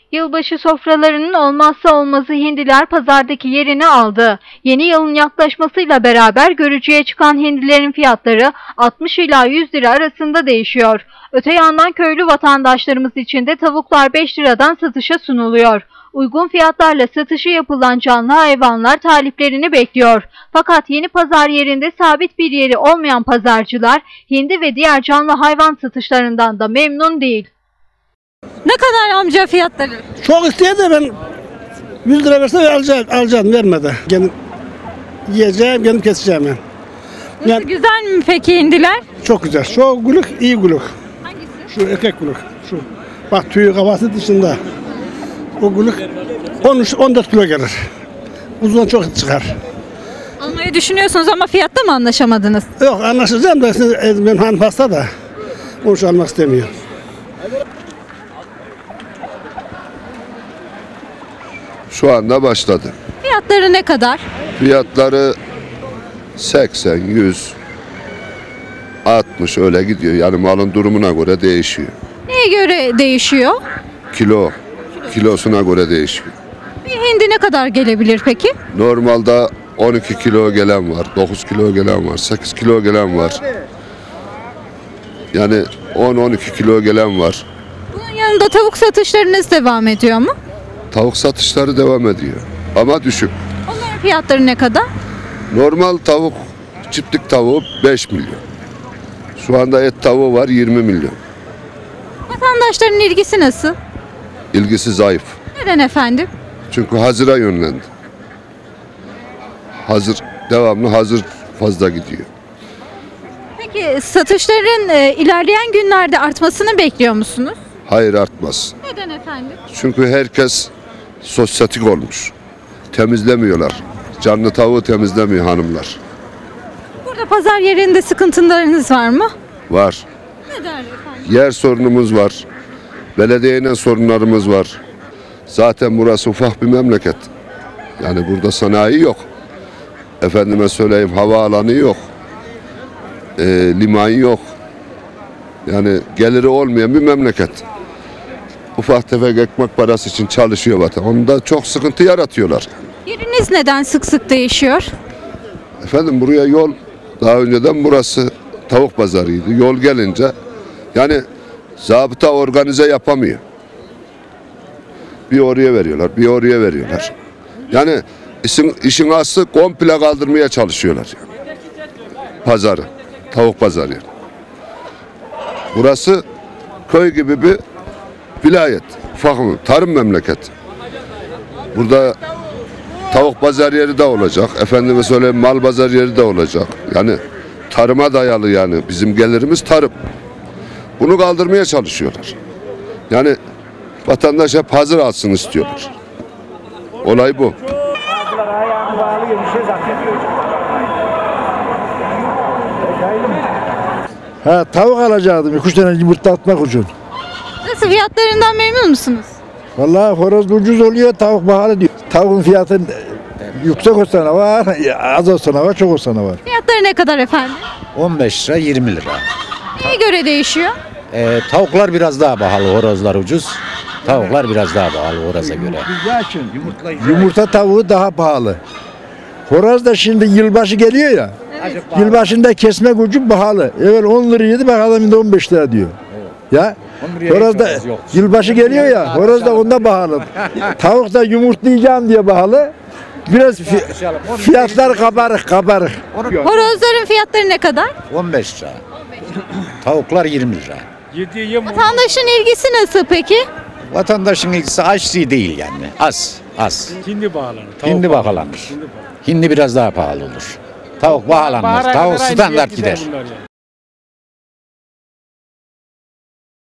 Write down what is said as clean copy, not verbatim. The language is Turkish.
Yılbaşı sofralarının olmazsa olmazı hindiler pazardaki yerini aldı. Yeni yılın yaklaşmasıyla beraber görücüye çıkan hindilerin fiyatları 60 ila 100 lira arasında değişiyor. Öte yandan köylü vatandaşlarımız için de tavuklar 5 liradan satışa sunuluyor. Uygun fiyatlarla satışı yapılan canlı hayvanlar taliplerini bekliyor. Fakat yeni pazar yerinde sabit bir yeri olmayan pazarcılar hindi ve diğer canlı hayvan satışlarından da memnun değil. Ne kadar amca fiyatları? Çok isteye de ben 100 lira verse alacağım vermedi. Kendim yiyeceğim, kendim keseceğim ben. Nasıl, Yani, güzel mi peki hindiler? çok güzel. Şu gülük iyi gülük. Hangisi? Şu erkek gülük. Şu. Bak tüyü kafası dışında. O gülük 13-14 kilo gelir. Uzun çok çıkar. Almayı düşünüyorsunuz ama fiyatta mı anlaşamadınız? Yok anlaşacağım da benim hanım hasta da. Onu şu almak istemiyor. Şu anda başladı. Fiyatları ne kadar? Fiyatları 80, 100, 60 öyle gidiyor. Yani malın durumuna göre değişiyor. Neye göre değişiyor? Kilosuna göre değişiyor. Bir hindi ne kadar gelebilir peki? Normalde 12 kilo gelen var, 9 kilo gelen var, 8 kilo gelen var. Yani 10-12 kilo gelen var. Bunun yanında tavuk satışlarınız devam ediyor mu? Tavuk satışları devam ediyor ama düşük. Onların fiyatları ne kadar? Normal tavuk, çiftlik tavuğu 5 milyon. Şu anda et tavuğu var 20 milyon. Vatandaşların ilgisi nasıl? İlgisi zayıf. Neden efendim? Çünkü hazıra yönlendi. Devamlı hazır fazla gidiyor. Peki satışların ilerleyen günlerde artmasını bekliyor musunuz? Hayır artmaz. Neden efendim? Çünkü herkes sosyetik olmuş. Temizlemiyorlar. Canlı tavuğu temizlemiyor hanımlar. Burada pazar yerinde sıkıntılarınız var mı? Var. Neden efendim? Yer sorunumuz var. Belediyeyle sorunlarımız var. Zaten burası ufak bir memleket. Yani burada sanayi yok. Efendime söyleyeyim havaalanı yok. Liman yok. Yani geliri olmayan bir memleket. Ufak tefek ekmek parası için çalışıyor vatan. Onda çok sıkıntı yaratıyorlar. Yeriniz neden sık sık değişiyor? Efendim buraya yol daha önceden burası tavuk pazarıydı. Yol gelince yani zabıta organize yapamıyor. Bir oraya veriyorlar, bir oraya veriyorlar. Yani işin aslı komple kaldırmaya çalışıyorlar. Yani. Pazarı, tavuk pazarı. Yani. Burası köy gibi bir vilayet, ufak tarım memleketi. Burada tavuk pazar yeri de olacak, efendime söyleyeyim mal pazar yeri de olacak. Yani tarıma dayalı yani bizim gelirimiz tarım. Bunu kaldırmaya çalışıyorlar. Yani vatandaş hep hazır alsın istiyorlar. Olay bu. Tavuk alacaktım 2-3 tane yumurta atmak için. Nasıl, fiyatlarından memnun musunuz? Vallahi horoz ucuz oluyor, tavuk pahalı diyor. Tavuğun fiyatı yüksek olsana var, az olsana var, çok olsana var. Fiyatları ne kadar efendim? 15 lira 20 lira. Neye göre değişiyor? Tavuklar biraz daha pahalı, horozlar ucuz. Tavuklar biraz daha pahalı horoza göre. Yumurta tavuğu daha pahalı. Horoz da şimdi yılbaşı geliyor ya. Evet. Yılbaşında kesme gücü pahalı. Evvel 10 liraydı, bak adam şimdi 15 lira diyor. Ya horoz da yılbaşı geliyor ya, horoz da onda pahalı. Tavuk da yumurtlayacağım diye pahalı. Biraz fiyatlar kabarık. Horozların fiyatları ne kadar? 15 lira. Tavuklar 20 lira. Vatandaşın ilgisi nasıl peki? Vatandaşın ilgisi açlığı değil yani. Az. Hindi bağlanır. Hindi bağlanır. Hindi biraz daha pahalı olur. Tavuk bağlanmaz. Tavuk standart gider.